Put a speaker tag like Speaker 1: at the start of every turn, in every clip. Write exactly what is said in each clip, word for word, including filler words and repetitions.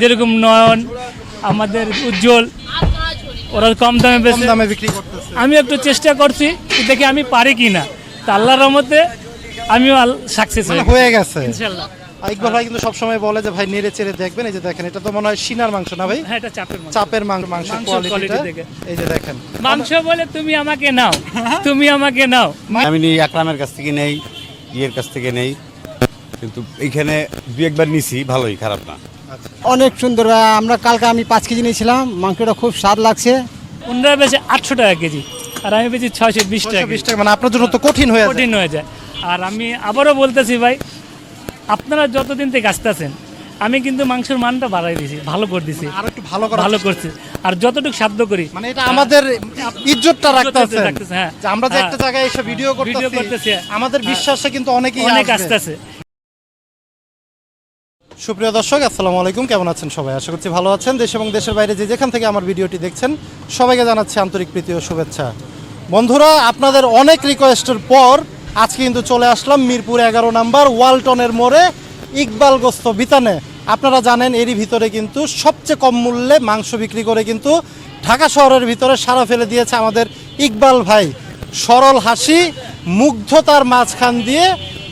Speaker 1: যেরকম নয়ন, আমাদের উজ্জ্বল, ওরা কম দামে বেশি
Speaker 2: দামে বিক্রি করতেছে।
Speaker 1: আমি একটু চেষ্টা করছি দেখি আমি পারি কি না, তা আল্লাহর রহমতে আমিও সাকসেস
Speaker 2: হয়ে গেছে
Speaker 1: ইনশাআল্লাহ।
Speaker 2: ইকবাল ভাই কিন্তু সবসময় বলে যে ভাই নেড়ে চেড়ে দেখবেন। এই যে দেখেন, এটা তো মনে হয় সিনার মাংস না ভাই?
Speaker 1: হ্যাঁ, এটা চাপের মাংস।
Speaker 2: চাপের মাংস, মাংসের
Speaker 1: মাংসের
Speaker 2: কোয়ালিটিটা
Speaker 1: quality দেখে।
Speaker 2: এই যে দেখেন।
Speaker 1: মাংস বলে তুমি আমাকে নাও, তুমি আমাকে নাও।
Speaker 3: আমি নিই আকরামের কাছ থেকে নেই, ইয়ের কাছ থেকে নেই, কিন্তু এইখানে দুই একবার নিছি, ভালোই, খারাপ না।
Speaker 4: অনেক সুন্দর। আমরা কালকে আমি পাঁচ কেজি নিয়েছিলাম, মাংসটা খুব স্বাদ লাগছে।
Speaker 1: ওনারা বেশি আটশো টাকা কেজি, আর আমি বেশি ছয়শো বিশ টাকা
Speaker 2: বিশ টাকা, মানে আপনার জন্য তো কঠিন হয়ে যায়।
Speaker 1: কঠিন হয়ে যায়। আর আমি আবারও বলতেছি ভাই, আপনারা যতদিন থেকে আসতেছেন আমি কিন্তু মাংসের মানটা বাড়াই দিয়েছি, ভালো করে দিছি,
Speaker 2: আর একটু ভালো করা
Speaker 1: ভালো করছি। আর যতটুকু সাধ্য করি,
Speaker 2: মানে এটা আমাদের ইজ্জতটা রাখতেছে।
Speaker 1: রাখতেছে, হ্যাঁ।
Speaker 2: যে আমরা যে একটা জায়গায় এসে ভিডিও
Speaker 1: ভিডিও
Speaker 2: করতেছি,
Speaker 1: করতেছি,
Speaker 2: আমাদের বিশ্বাসে কিন্তু অনেকেই
Speaker 1: অনেক
Speaker 2: আসবে।
Speaker 1: আসতেছে।
Speaker 2: সুপ্রিয় দর্শক, আসসালামু আলাইকুম। কেমন আছেন সবাই? আশা করছি ভালো আছেন। দেশ এবং দেশের বাইরে যে যেখান থেকে আমার ভিডিওটি দেখছেন সবাইকে জানাচ্ছি আন্তরিক প্রীতি ও শুভেচ্ছা। বন্ধুরা, আপনাদের অনেক রিকোয়েস্টের পর আজকে কিন্তু চলে আসলাম মিরপুর এগারো নাম্বার ওয়ালটনের মোড়ে ইকবাল গোস্ত বিতানে। আপনারা জানেন এরই ভিতরে কিন্তু সবচেয়ে কম মূল্যে মাংস বিক্রি করে কিন্তু ঢাকা শহরের ভিতরে সাড়া ফেলে দিয়েছে আমাদের ইকবাল ভাই। সরল হাসি, মুগ্ধতার মাঝখান দিয়ে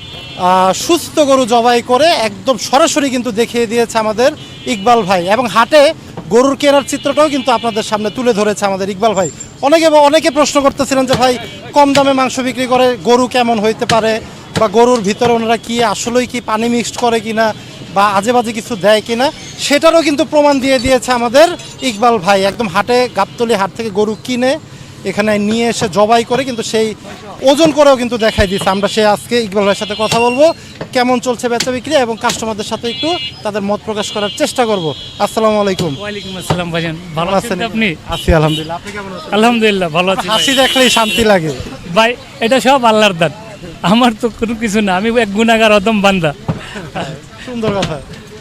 Speaker 2: সুস্থ গরু জবাই করে একদম সরাসরি কিন্তু দেখিয়ে দিয়েছে আমাদের ইকবাল ভাই। এবং হাটে গরুর কেনার চিত্রটাও কিন্তু আপনাদের সামনে তুলে ধরেছে আমাদের ইকবাল ভাই। অনেকে অনেকে প্রশ্ন করতেছিলেন যে ভাই কম দামে মাংস বিক্রি করে গরু কেমন হইতে পারে, বা গরুর ভিতরে ওনারা কি আসলেই কি পানি মিক্সড করে কিনা, বা আজে বাজে কিছু দেয় কিনা, সেটারও কিন্তু প্রমাণ দিয়ে দিয়েছে আমাদের ইকবাল ভাই। একদম হাটে গাবতলী হাট থেকে গরু কিনে এখানে নিয়ে এসে জবাই করে কিন্তু সেই ওজন করেও কিন্তু দেখাই দিচ্ছে। আমরা সে আজকে ইকবাল ভাইয়ের সাথে কথা বলবো, কেমন চলছে বেচা বিক্রি, এবং কাস্টমারদের সাথে একটু তাদের মত প্রকাশ করার চেষ্টা করব। আসসালামু আলাইকুম।
Speaker 1: ওয়ালাইকুম আসসালাম ভাইজান, ভালো আছেন আপনি?
Speaker 2: আছি আলহামদুলিল্লাহ। আপনি কেমন আছেন?
Speaker 1: আলহামদুলিল্লাহ ভালো আছি।
Speaker 2: হাসি দেখলেই শান্তি লাগে
Speaker 1: ভাই, এটা সব আল্লাহর দান, আমার তো কোনো কিছু না, আমি এক গুনাহগার অদম বান্দা।
Speaker 2: সুন্দর কথা।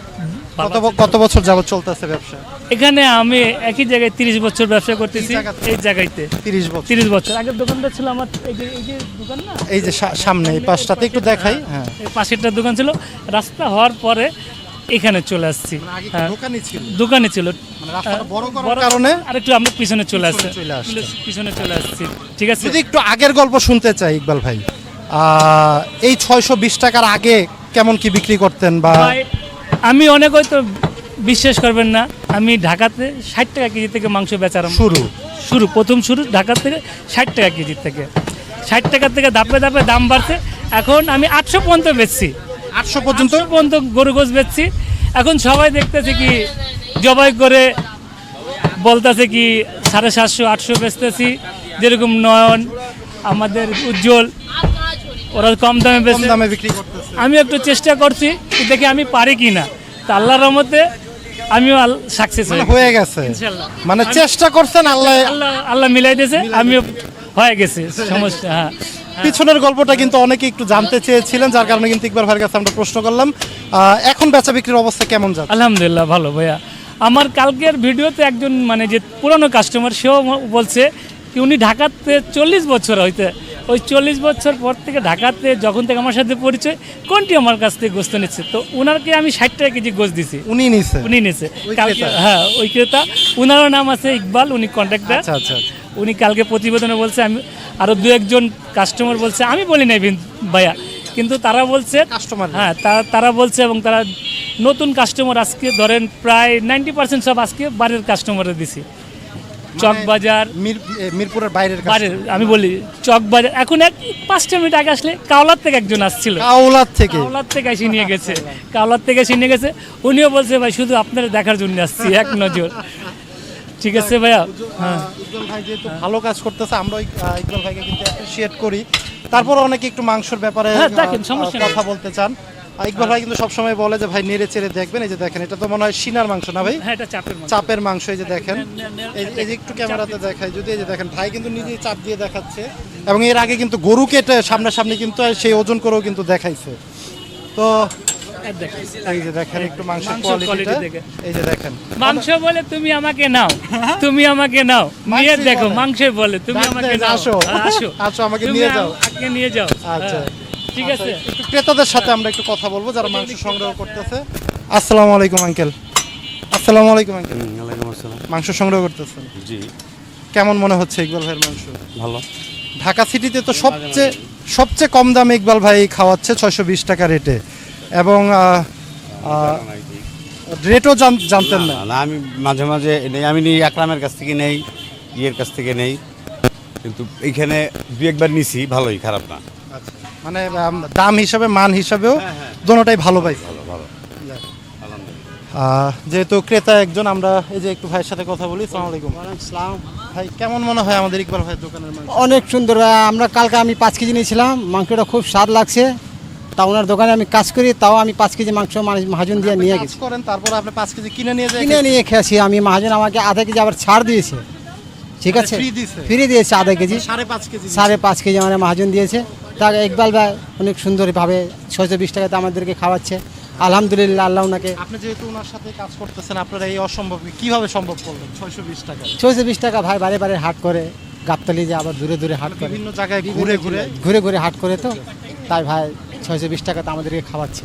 Speaker 2: কত কত বছর যাবত চলতেছে ব্যবসা
Speaker 1: এখানে? আমি একই জায়গায় তিরিশ বছর ব্যবসা করতেছি, এই জায়গাতে
Speaker 2: তিরিশ বছর।
Speaker 1: তিরিশ বছর আগের দোকানটা ছিল আমার, এই যে এই যে দোকান না,
Speaker 2: এই যে সা- সামনে এই পাশটাতে একটু দেখাই। হ্যাঁ,
Speaker 1: এই পাশেরটা দোকান ছিল, রাস্তা হওয়ার পরে এখানে চলে আসছি।
Speaker 2: আগে
Speaker 1: হ্যাঁ,
Speaker 2: দোকানই ছিল,
Speaker 1: দোকানে ছিল,
Speaker 2: মানে রাস্তাটা বড়
Speaker 1: বড়
Speaker 2: করার কারণে
Speaker 1: আর একটু আমরা পিছনে চলে আসছি,
Speaker 2: চলে আসছে।
Speaker 1: পিছনে চলে আসছি। ঠিক আছে,
Speaker 2: যদি একটু আগের গল্প শুনতে চাই ইকবাল ভাই, আহ, এই ছয়শো বিশ টাকার আগে কেমন কি বিক্রি করতেন? বা
Speaker 1: ভাই, আমি অনেক হয়তো বিশ্বাস করবেন না, আমি ঢাকাতে ষাট টাকা কেজি থেকে মাংস বেচার
Speaker 2: শুরু
Speaker 1: শুরু প্রথম শুরু ঢাকা থেকে ষাট টাকা কেজি থেকে, ষাট টাকা থেকে ধাপে ধাপে দাম বাড়ছে। এখন আমি আটশো পর্যন্ত বেচছি,
Speaker 2: আটশো পর্যন্ত
Speaker 1: আটশো পর্যন্ত গরু গোছ বেচছি। এখন সবাই দেখতেছে কি জবাই করে বলতেছে কি সাড়ে সাতশো আটশো বেচতেছি, যেরকম নয়ন, আমাদের উজ্জ্বল, ওরা কম দামে
Speaker 2: কম
Speaker 1: বেচে।
Speaker 2: দামে বিক্রি করতেছে।
Speaker 1: আমি একটু চেষ্টা করছি দেখি আমি পারি কি না, তা আল্লাহর রহমতে আমিও সাকসেস
Speaker 2: হয়ে গেছে,
Speaker 1: ইনশাআল্লাহ।
Speaker 2: মানে চেষ্টা করছেন, আল্লাহ
Speaker 1: আল্লাহ আল্লাহ মিলাই দিয়েছে, আমিও হয়ে গেছে সমস্যা। হ্যাঁ,
Speaker 2: পিছনের গল্পটা কিন্তু অনেকে একটু জানতে চেয়েছিলেন, যার কারণে কিন্তু ইকবাল ভাইয়ের কাছে আমরা প্রশ্ন করলাম। আহ, এখন বেচা বিক্রির অবস্থা কেমন যাচ্ছে?
Speaker 1: আলহামদুলিল্লাহ ভালো ভাইয়া। আমার কালকের ভিডিওতে একজন মানে যে পুরনো কাস্টমার, সেও বলছে কি উনি ঢাকাতে চল্লিশ বছর হইতে, ওই চল্লিশ বছর পর থেকে ঢাকাতে যখন থেকে আমার সাথে পরিচয়, কোনটি আমার কাছ থেকে গোস্ত নিচ্ছে, তো ওনাকে আমি ষাট টাকা কেজি গোস্ত দিছি,
Speaker 2: উনি নিছে
Speaker 1: উনি নিছে
Speaker 2: ওই
Speaker 1: কালকে।
Speaker 2: ক্রেতা?
Speaker 1: হ্যাঁ, ওই ক্রেতা, ওনারও নাম আছে ইকবাল, উনি কন্ট্রাক্টর।
Speaker 2: আচ্ছা আচ্ছা আচ্ছা।
Speaker 1: উনি কালকে প্রতিবেদনে বলছে, আমি আরও দু একজন কাস্টমার বলছে, আমি বলি নাই ভাইয়া, কিন্তু তারা বলছে
Speaker 2: কাস্টমার
Speaker 1: হ্যাঁ, তারা তারা বলছে, এবং তারা নতুন কাস্টমার আজকে ধরেন প্রায় নাইনটি পার্সেন্ট সব আজকে বাড়ির কাস্টমারে দিছি। চকবাজার,
Speaker 2: মিরপুরের বাইরের কাছে।
Speaker 1: বাড়ির আমি বলি চকবাজার, এখন এক পাঁচটা মিনিট আগে আসলে কাওলার থেকে একজন আসছিল,
Speaker 2: কাউলার থেকে
Speaker 1: কাওলার থেকে এসে নিয়ে গেছে, কাওলার থেকে এসে নিয়ে গেছে। উনিও বলছে ভাই শুধু আপনারা দেখার জন্য আসছি, এক নজর। ঠিক আছে ভাইয়া। হ্যাঁ,
Speaker 2: উজ্জ্বল ভাই যেহেতু ভালো কাজ করতেছে, আমরা ওই, আহ, ইকবাল ভাইকে কিন্তু অ্যাপ্রিশিয়েট করি। তারপর অনেকে একটু মাংসের ব্যাপারে
Speaker 1: হ্যাঁ,
Speaker 2: আহ,
Speaker 1: দেখেন, সমস্যা নেই।
Speaker 2: কথা বলতে চান। আহ, ইকবাল ভাই কিন্তু সবসময় বলে যে ভাই নেড়ে চেড়ে দেখবেন। এই যে দেখেন, এটা তো মনে হয় সিনার মাংস না ভাই?
Speaker 1: হ্যাঁ, এটা চাপের মাংস।
Speaker 2: চাপের মাংস। এই যে দেখেন,
Speaker 1: নে- নে- নে-
Speaker 2: এই এই যে একটু ক্যামেরাতে দেখাই যদি, এই যে দেখেন ভাই কিন্তু নিজেই চাপ দিয়ে দেখাচ্ছে, এবং এর আগে কিন্তু গরু কেটে সামনাসামনি কিন্তু সেই ওজন করেও কিন্তু দেখাইছে। তো
Speaker 1: এই দেখেন।
Speaker 2: এই যে দেখেন একটু মাংসের
Speaker 1: মাংসের
Speaker 2: কোয়ালিটিটা,
Speaker 1: quality দেখে।
Speaker 2: এই যে দেখেন।
Speaker 1: মাংস বলে তুমি আমাকে নাও, তুমি আমাকে নাও, নিয়ে
Speaker 2: মাংসই
Speaker 1: দেখো,
Speaker 2: বলে।
Speaker 1: মাংস বলে তুমি
Speaker 2: ডাক
Speaker 1: আমাকে
Speaker 2: দেন,
Speaker 1: নাও,
Speaker 2: আসো।
Speaker 1: হ্যাঁ, আসো
Speaker 2: আসো, আমাকে
Speaker 1: তুমি
Speaker 2: নিয়ে যাও।
Speaker 1: আমাকে নিয়ে যাও।
Speaker 2: আচ্ছা।
Speaker 1: হ্যাঁ, ঠিক আছে।
Speaker 2: একটু ক্রেতাদের সাথে আমরা একটু কথা বলবো যারা মাংস সংগ্রহ করতেছে। আসসালামু আলাইকুম আঙ্কেল। আসসালামু আলাইকুম আঙ্কেল।
Speaker 3: ওয়ালাইকুম আসসালাম।
Speaker 2: মাংস সংগ্রহ করতেছেন,
Speaker 3: জি
Speaker 2: কেমন মনে হচ্ছে ইকবাল ভাইয়ের মাংস?
Speaker 3: ভালো।
Speaker 2: ঢাকা সিটিতে তো সবচেয়ে সবচেয়ে কম দামে ইকবাল ভাই খাওয়াচ্ছে ছয়শো বিশ টাকা রেটে, এবং আহ, আহ, রেটও জান- জানতেন না।
Speaker 3: না, না, আমি মাঝে মাঝে নেই, আমি নিই আকরামের কাছ থেকে নেই, ইয়ের কাছ থেকে নেই, কিন্তু এইখানে দুই একবার নিছি, ভালোই, খারাপ না।
Speaker 2: আচ্ছা, মানে আম, দাম হিসাবে মান হিসাবেও দোনোটাই ভালো পাইছি।
Speaker 3: ভালো ভালো।
Speaker 2: আহ, যেহেতু ক্রেতা একজন, আমরা এই যে একটু ভাইয়ের সাথে কথা বলি। আসসালামু আলাইকুম ভাই, কেমন মনে হয় আমাদের ইকবাল ভাইয়ের দোকানের মাংস?
Speaker 4: অনেক সুন্দর ভাই। আমরা কালকে আমি পাঁচ কেজি নিয়েছিলাম, মাংসটা খুব স্বাদ লাগছে। তা ওনার দোকানে আমি কাজ করি, তাও আমি পাঁচ কেজি মাংস মানুষ- মহাজন দিয়ে নিয়ে
Speaker 2: কাজ
Speaker 4: গেছি,
Speaker 2: করেন, তারপর আপনি পাঁচ কেজি কিনে নিয়ে যাই
Speaker 4: কিনে নিয়ে খেয়েছি আমি। মহাজন আমাকে আধা কেজি আবার ছাড় দিয়েছে, ঠিক
Speaker 2: মানে
Speaker 4: আছে,
Speaker 2: free দিয়েছে?
Speaker 4: ফ্রি দিয়েছে আধা কেজি,
Speaker 2: সাড়ে পাঁচ কেজি
Speaker 4: সাড়ে পাঁচ কেজি মানে মহাজন দিয়েছে। তা ইকবাল ভাই অনেক সুন্দরভাবে ছয়শো বিশ টাকাতে আমাদেরকে খাওয়াচ্ছে, আলহামদুলিল্লাহ। আল্লাহ ওনাকে
Speaker 2: আপনি যেহেতু ওনার সাথে কাজ করতেছেন, আপনারা এই অসম্ভব কিভাবে সম্ভব করলেন ছয়শো বিশ টাকা?
Speaker 4: ছয়শো বিশ টাকা ভাই বারে বারে হাট করে, গাবতলি যে আবার দূরে দূরে হাট করে,
Speaker 2: বিভিন্ন জায়গায় ঘুরে ঘুরে
Speaker 4: ঘুরে ঘুরে হাট করে, তো তাই ভাই ছয়শো বিশ টাকাতে আমাদেরকে খাওয়াচ্ছে।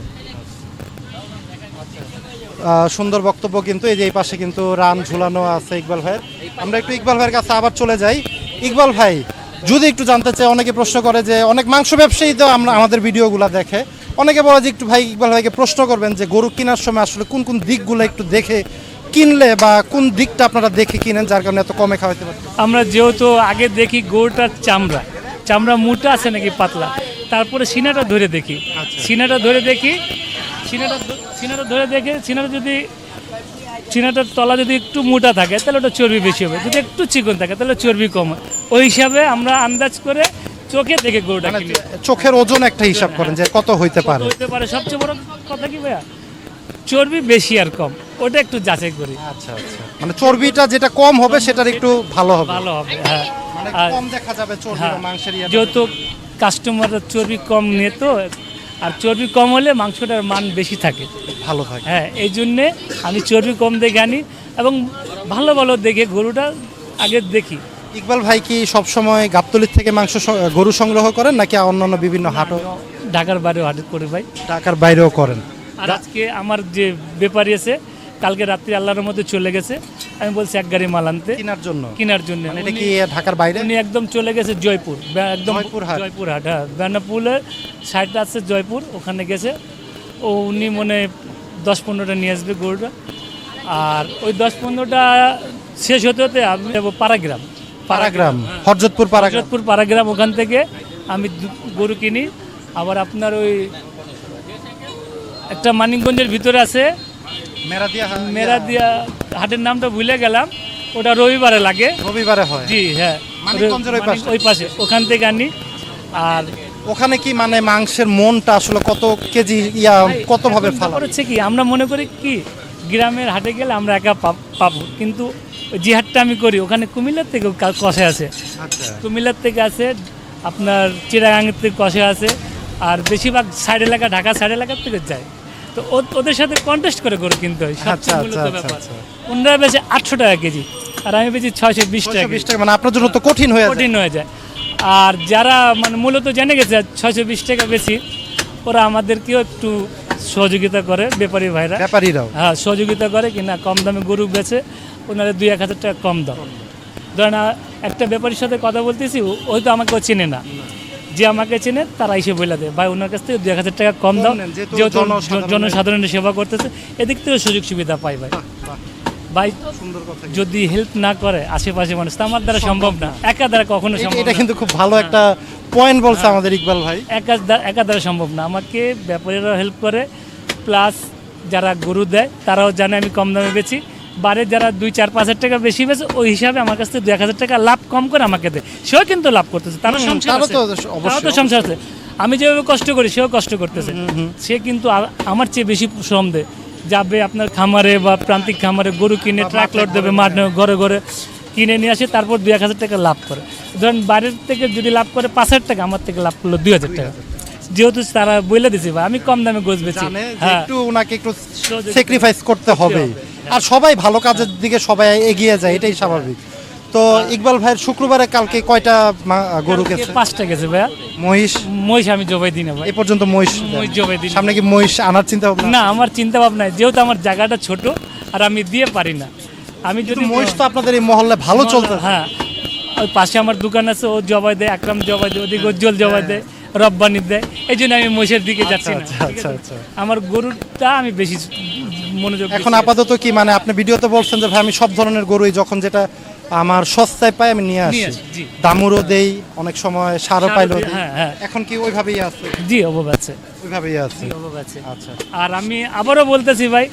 Speaker 2: আহ, সুন্দর বক্তব্য। কিন্তু এই যে এই পাশে কিন্তু রান ঝুলানো আছে ইকবাল ভাইয়ের। আমরা একটু ইকবাল ভাইয়ের কাছে আবার চলে যাই। ইকবাল ভাই, যদি একটু জানতে চাই, অনেকে প্রশ্ন করে যে অনেক মাংস ব্যবসায়ী তো আমরা আমাদের ভিডিওগুলো দেখে, অনেকে বলে যে একটু ভাই ইকবাল ভাইকে প্রশ্ন করবেন যে গরু কেনার সময় আসলে কোন কোন দিকগুলো একটু দেখে কিনলে, বা কোন দিকটা আপনারা দেখে কিনেন যার কারণে এত কমে খাওয়াতে পারেন?
Speaker 1: আমরা যেহেতু আগে দেখি গরুটার চামড়া চামড়া মোটা আছে নাকি পাতলা, তারপরে সিনাটা ধরে দেখি, সিনাটা ধরে দেখি সিনাটা ধ- সিনাটা ধরে দেখে সিনাটা যদি সিনাটার তলা যদি একটু মোটা থাকে তাহলে ওটা চর্বি বেশি হবে, যদি একটু চিকন থাকে তাহলে চর্বি কম হয়। ওই হিসাবে আমরা আন্দাজ করে চোখে দেখে গরুটা
Speaker 2: মানে
Speaker 1: কিনি।
Speaker 2: চোখের ওজন একটা হিসাব করেন যে কত হইতে
Speaker 1: কত
Speaker 2: পারে?
Speaker 1: হইতে পারে, সবচেয়ে বড় কথা কি ভাইয়া, চর্বি বেশি আর কম ওটা একটু যাচাই করি,
Speaker 2: আচ্ছা আচ্ছা, মানে চর্বিটা যেটা কম হবে সেটার একটু ভালো হবে,
Speaker 1: ভালো হবে। হ্যাঁ,
Speaker 2: মানে
Speaker 1: আর
Speaker 2: কম দেখা যাবে চর্বি
Speaker 1: হ্যাঁ,
Speaker 2: বা মাংসের ইয়েটা।
Speaker 1: যেহেতু কাস্টমাররা চর্বি কম নিয়ে তো, আর চর্বি কম হলে মাংসটার মান বেশি থাকে।
Speaker 2: ভালো থাকে।
Speaker 1: হ্যাঁ, এই জন্যে আমি চর্বি কম দেখে আনি এবং ভালো ভালো দেখে গরুটা আগে দেখি।
Speaker 2: ইকবাল ভাই কি সবসময় গাবতলির থেকে মাংস স- গরু সংগ্রহ করেন, নাকি অন্যান্য বিভিন্ন হাটও,
Speaker 1: ঢাকার বাইরেও হাট করি ভাই।
Speaker 2: ঢাকার বাইরেও করেন?
Speaker 1: আর আজকে আমার যে ব্যাপারী আছে, কালকে রাত্রি আল্লাহর মধ্যে চলে গেছে, আমি বলছি এক গাড়ি মাল আনতে
Speaker 2: কেনার জন্য?
Speaker 1: কেনার জন্য।
Speaker 2: মানে এটা কি
Speaker 1: উনি-
Speaker 2: ঢাকার বাইরে?
Speaker 1: উনি একদম চলে গেছে জয়পুর, বে- একদম
Speaker 2: জয়পুরহাট?
Speaker 1: জয়পুরহাট, হ্যাঁ, বেনাপুলের সাইডটা আছে জয়পুর, ওখানে গেছে। ও উনি মনে হয় দশ পনেরোটা নিয়ে আসবে গরুটা, আর ওই দশ পনেরোটা শেষ হতে হতে আমি যাবো পাড়াগ্রাম।
Speaker 2: পাড়াগ্রাম, হরজতপুর পাড়াগ্রাম।
Speaker 1: হজরতপুর পাড়াগ্রাম, ওখান থেকে আমি দু- গরু কিনি। আবার আপনার ওই একটা মানিকগঞ্জের ভিতরে আছে
Speaker 2: মেরাদিয়া হা-
Speaker 1: মেরা দিয়া হাটের নামটা ভুলে গেলাম, ওটা রবিবারে লাগে।
Speaker 2: রবিবারে হয়।
Speaker 1: জি হ্যাঁ,
Speaker 2: মানিকগঞ্জের ওই পাশে?
Speaker 1: মানিক- ওই পাশে, ওখান থেকে আনি। আর
Speaker 2: ওখানে কি মানে মাংসের মনটা আসলে কত কেজি ইয়া কত ভাবে
Speaker 1: এখন
Speaker 2: ফালা?
Speaker 1: ব্যাপার হচ্ছে কি, আমরা মনে করি কি গ্রামের হাটে গেলে আমরা একা পাব- পাবো, কিন্তু ওই যে হাটটা আমি করি ওখানে কুমিল্লার থেকে কষে আছে,
Speaker 2: আচ্ছা,
Speaker 1: কুমিল্লার থেকে আছে, আপনার চিরাগাঙ্গের থেকে কষে আছে, আর বেশিরভাগ সাইড এলাকা, ঢাকা সাইড এলাকার থেকে যায়। তো ও- ওদের সাথে কন্টেস্ট করে গরু কিনতে হয়,
Speaker 2: আচ্ছা,
Speaker 1: সবচেয়ে মূলত
Speaker 2: আচ্ছা,
Speaker 1: ব্যাপার।
Speaker 2: আচ্ছা।
Speaker 1: ওনারা বেশি আটশো টাকা কেজি, আর আমি বেশি ছয়শো বিশ টাকা
Speaker 2: ছয়শো
Speaker 1: কেজি।
Speaker 2: বিশ টাকা, মানে আপনার জন্য তো কঠিন হয়ে যায়।
Speaker 1: কঠিন হয়ে যায়। আর যারা মানে মূলত জেনে গেছে ছয়শো বিশ টাকা বেশি, ওরা আমাদেরকেও একটু সহযোগিতা করে, ব্যাপারী ভাইরা,
Speaker 2: ব্যাপারীরাও।
Speaker 1: হ্যাঁ সহযোগিতা করে কিনা কম দামে গরু বেচে, ওনারা দুই এক হাজার টাকা কম দাম। ধরেন আহ, একটা ব্যাপারীর সাথে কথা বলতেছি, ও- ওই তো আমাকে ও চেনে না, যে আমাকে চেনে তারা এসে বলে দেয় ভাই ওনার কাছ থেকে দুই এক হাজার টাকা কম দাও,
Speaker 2: কম নেন, যেহেতু
Speaker 1: যেহেতু
Speaker 2: জনসাধারণের-
Speaker 1: জনসাধারণের সেবা করতেছে, এদিক থেকে সুযোগ সুবিধা পাই ভাই। ভাই
Speaker 2: সুন্দর কথা।
Speaker 1: যদি হেল্প না করে আশেপাশে মানুষ, তা আমার দ্বারা সম্ভব না, একা দ্বারা কখনো
Speaker 2: এটা-
Speaker 1: সম্ভব
Speaker 2: এটা
Speaker 1: না।
Speaker 2: কিন্তু খুব ভালো একটা পয়েন্ট বলছে আমাদের ইকবাল ভাই।
Speaker 1: একা দ্বা- একা দ্বারা সম্ভব না, আমাকে ব্যাপারীরা হেল্প করে, প্লাস যারা গরু দেয় তারাও জানে আমি কম দামে বেচি, বারে যারা দুই চার পাঁচ হাজার টাকা বেশি বেছে ওই হিসাবে আমার কাছ থেকে দুই এক হাজার টাকা লাভ কম করে আমাকে দেয়, সেও কিন্তু লাভ করতেছে, তারও
Speaker 2: হুম,
Speaker 1: সংসার
Speaker 2: তারও
Speaker 1: আছে,
Speaker 2: তো
Speaker 1: তারও
Speaker 2: অবশ্যই,
Speaker 1: তো সংসার আছে। আমি যেভাবে কষ্ট করি সেও কষ্ট করতেছে, সে কিন্তু আ- আমার চেয়ে বেশি শ্রম দেয়, যাবে আপনার খামারে বা প্রান্তিক খামারে গরু কিনে ট্রাক লোড দেবে, মাঠ ঘরে ঘরে কিনে নিয়ে আসে, তারপর দুই এক হাজার টাকা লাভ করে। ধরেন বাইরের থেকে যদি লাভ করে পাঁচ হাজার টাকা, আমার থেকে লাভ করলো দুই হাজার টাকা, যেহেতু তারা বলে দিছে ভাই আমি কম দামে গোছ বেচি।
Speaker 2: জানে যে
Speaker 1: হ্যাঁ,
Speaker 2: একটু ওনাকে একটু
Speaker 1: সহযোগিতা
Speaker 2: স্যাক্রিফাইস করতে হবে, আর সবাই ভালো কাজের দিকে সবাই এগিয়ে যায়, এটাই স্বাভাবিক। তো ইকবাল ভাইয়ের শুক্রবারে কালকে কয়টা মা- গরু
Speaker 1: কালকে
Speaker 2: গেছে?
Speaker 1: পাঁচটা গেছে ভাইয়া,
Speaker 2: মহিষ
Speaker 1: মহিষ আমি জবাই দিই না ভাই,
Speaker 2: এ পর্যন্ত মহিষ দেন?
Speaker 1: মহিষ জবাই দিই না।
Speaker 2: সামনে কি মহিষ আনার চিন্তা ভাবনা?
Speaker 1: না, আমার চিন্তা ভাবনা নাই, যেহেতু আমার জায়গাটা ছোট, আর আমি দিয়ে পারি না। আমি
Speaker 2: কিন্তু
Speaker 1: যদি
Speaker 2: মহিষ তো আপনাদের এই মহল্লে ভালো চলতে।
Speaker 1: হ্যাঁ, ওই পাশে আমার দোকান আছে, ও জবাই দেয়, আকরাম জবাই দেয়, ওদিকে উজ্জ্বল জবাই দেয়, রব্বানি দেয়, এই জন্য আমি মহিষের দিকে যাচ্ছি না।
Speaker 2: আচ্ছা,
Speaker 1: ঠিক
Speaker 2: আচ্ছা,
Speaker 1: আছে?
Speaker 2: আচ্ছা।
Speaker 1: আমার গরুটা আমি বেশি মনোযোগ
Speaker 2: এখন
Speaker 1: দিচ্ছি।
Speaker 2: আপাতত কি মানে আপনি ভিডিওতে বলছেন যে ভাই আমি সব ধরনের গরুই যখন যেটা আমার সস্তায় পাই আমি নিয়ে
Speaker 1: নিয়ে
Speaker 2: আসি,
Speaker 1: আসি, জি।
Speaker 2: দামুরও দেই, অনেক সময় সারও
Speaker 1: সারও
Speaker 2: পাইলেও
Speaker 1: দিই,
Speaker 2: দিই।
Speaker 1: হ্যাঁ, হ্যাঁ।
Speaker 2: এখন কি ওইভাবেই আছে?
Speaker 1: জি, অভাব আছে,
Speaker 2: ওইভাবেই আছে।
Speaker 1: জি, অভাব আছে।
Speaker 2: আচ্ছা,
Speaker 1: আর আমি আবারও বলতেছি ভাই,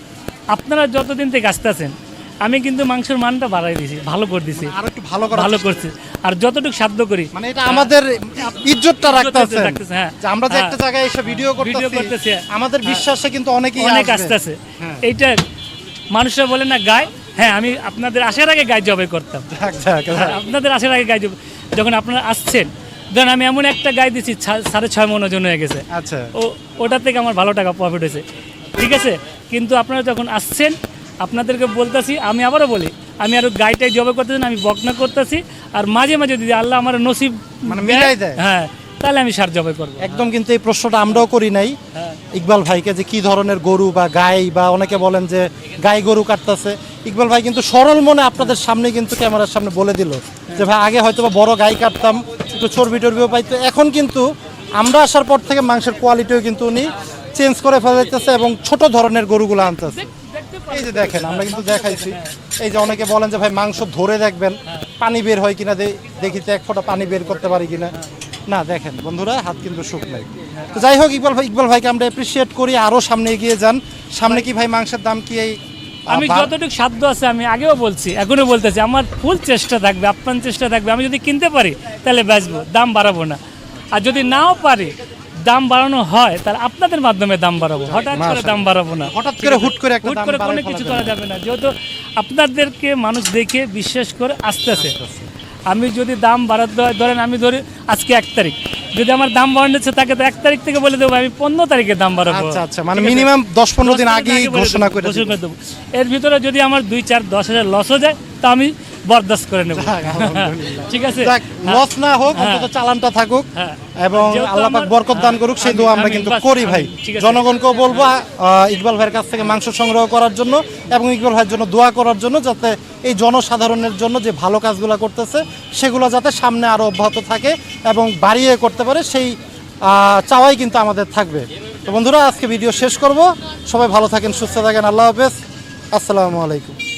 Speaker 1: আপনারা যতদিন থেকে আসতেছেন আমি কিন্তু মাংসের মানটা বাড়াই দিছি, ভালো করে দিছি,
Speaker 2: আরো একটু ভালো করা
Speaker 1: ভালো করছি। আর যতটুকু সাধ্য করি,
Speaker 2: মানে এটা আমাদের ইজ্জতটা রাখতেছে,
Speaker 1: রাখতেছে, হ্যাঁ।
Speaker 2: যে আমরা যে
Speaker 1: হ্যাঁ।
Speaker 2: একটা জায়গায় এসে ভিডিও
Speaker 1: ভিডিও
Speaker 2: করতেছি
Speaker 1: করতেছি,
Speaker 2: আমাদের
Speaker 1: হ্যাঁ।
Speaker 2: বিশ্বাসে কিন্তু অনেকেই
Speaker 1: অনেক
Speaker 2: আসবে।
Speaker 1: আসতেছে।
Speaker 2: হ্যাঁ।
Speaker 1: এইটা মানুষরা বলে না গায়, হ্যাঁ আমি আপনাদের আসার আগে গায়ে জবাই করতাম।
Speaker 2: যাক, যাক, যাক।
Speaker 1: আপনাদের আসার আগে গায়ে জবাই, যখন আপনারা আসছেন, ধরেন আমি এমন একটা গায়ে দিচ্ছি ছা- সাড়ে ছয় মন ওজন হয়ে গেছে,
Speaker 2: আচ্ছা,
Speaker 1: ও ওটা থেকে আমার ভালো টাকা প্রফিট হয়েছে, ঠিক আছে। কিন্তু আপনারা যখন আসছেন, আপনাদেরকে বলতেছি, আমি আবারও বলি, আমি আরো গাইটাই জবাই করতেছি না, আমি বকনা করতেছি। আর মাঝে মাঝে যদি আল্লাহ আমার নসিব
Speaker 2: মানে মিলাই দেয়।
Speaker 1: হ্যাঁ, তাহলে আমি সার জবাই করবো।
Speaker 2: একদম কিন্তু এই প্রশ্নটা আমরাও করি নাই
Speaker 1: হ্যাঁ।
Speaker 2: ইকবাল ভাইকে যে কি ধরনের গরু বা গাই, বা অনেকে বলেন যে গাই গরু কাটতেছে। ইকবাল ভাই কিন্তু সরল মনে আপনাদের সামনে কিন্তু ক্যামেরার সামনে বলে দিল যে ভাই আগে হয়তো বা বড় গাই কাটতাম, একটু চর্বি টর্বিও পাইতো, এখন কিন্তু আমরা আসার পর থেকে মাংসের কোয়ালিটিও কিন্তু উনি চেঞ্জ করে ফেলাইতেছে এবং ছোট ধরনের গরুগুলো আনতেছে। এই যে দেখেন, আমরা কিন্তু দেখাইছি, এই যে অনেকে বলেন যে ভাই মাংস ধরে দেখবেন পানি বের হয় কিনা, দে- দেখি তো এক ফোঁটা পানি বের করতে পারি কিনা। না, দেখেন বন্ধুরা, হাত কিন্তু শুকনাই। তো যাই হোক, ইকবাল ভাই ইকবাল ভাইকে আমরা অ্যাপ্রিসিয়েট করি, আরো সামনে এগিয়ে যান। সামনে কি ভাই মাংসের দাম কি এই
Speaker 1: আমি
Speaker 2: আহ, বা-
Speaker 1: যতটুকু সাধ্য আছে আমি আগেও বলছি, এখনো বলতেছি, আমার ফুল চেষ্টা থাকবে, আপ্রাণ চেষ্টা থাকবে। আমি যদি কিনতে পারি তাহলে বেচবো, দাম বাড়াবো না। আর যদি নাও পারি, দাম বাড়ানো হয়, তাহলে আপনাদের মাধ্যমে দাম বাড়াবো, হঠাৎ করে
Speaker 2: মাশাআল্লাহ।
Speaker 1: দাম বাড়াবো না।
Speaker 2: হঠাৎ করে হুট করে একটা
Speaker 1: হুট
Speaker 2: দাম
Speaker 1: করে
Speaker 2: বাড়ায়
Speaker 1: কোনো
Speaker 2: ফেলা
Speaker 1: কিছু
Speaker 2: যাবে
Speaker 1: করা
Speaker 2: না।
Speaker 1: যাবে না, যেহেতু আপনাদেরকে মানুষ দেখে বিশ্বাস করে আসতেছে। আমি যদি দাম বাড়াতে হয়, ধরেন আমি ধরি আজকে এক তারিখ, যদি আমার দাম বাড়াচ্ছে তাকে তো এক তারিখ থেকে বলে দেবো আমি পনেরো তারিখে দাম বাড়াবো।
Speaker 2: আচ্ছা, আচ্ছা, মানে
Speaker 1: ঠিক আছে?
Speaker 2: মিনিমাম দশ পনেরো দিন
Speaker 1: দশ
Speaker 2: আগেই
Speaker 1: আগে বলে
Speaker 2: ঘোষণা
Speaker 1: দেবো,
Speaker 2: করে
Speaker 1: ঘোষণা
Speaker 2: দিবেন।
Speaker 1: করে দেবো। এর ভিতরে যদি আমার দুই চার দশ হাজার লস হয়ে যায় তা আমি বরদাস্ত করে নেব।
Speaker 2: যাক, আলহামদুলিল্লাহ।
Speaker 1: ঠিক আছে,
Speaker 2: যাক, লস না হোক, অন্তত চালানটা থাকুক
Speaker 1: হ্যাঁ।
Speaker 2: এবং
Speaker 1: যেহেতু
Speaker 2: আল্লাহ পাক
Speaker 1: আমার-
Speaker 2: বরকত দান করুক, সেই
Speaker 1: আমি-
Speaker 2: দোয়া আমরা
Speaker 1: আমি
Speaker 2: কিন্তু
Speaker 1: বাস-
Speaker 2: করি ভাই।
Speaker 1: আমি- ঠিক আছে।
Speaker 2: জনগণকেও বলবো আহ, ইকবাল ভাইয়ের কাছ থেকে মাংস সংগ্রহ করার জন্য এবং ইকবাল ভাইয়ের জন্য দোয়া করার জন্য, যাতে এই জনসাধারণের জন্য যে ভালো কাজগুলো করতেছে সেগুলো যাতে সামনে আরো অব্যাহত থাকে এবং বাড়িয়ে করতে পারে, সেই আহ, চাওয়াই কিন্তু আমাদের থাকবে। তো বন্ধুরা, আজকে ভিডিও শেষ করব। সবাই ভালো থাকেন, সুস্থ থাকেন, আল্লাহ হাফেজ, আসসালামু আলাইকুম।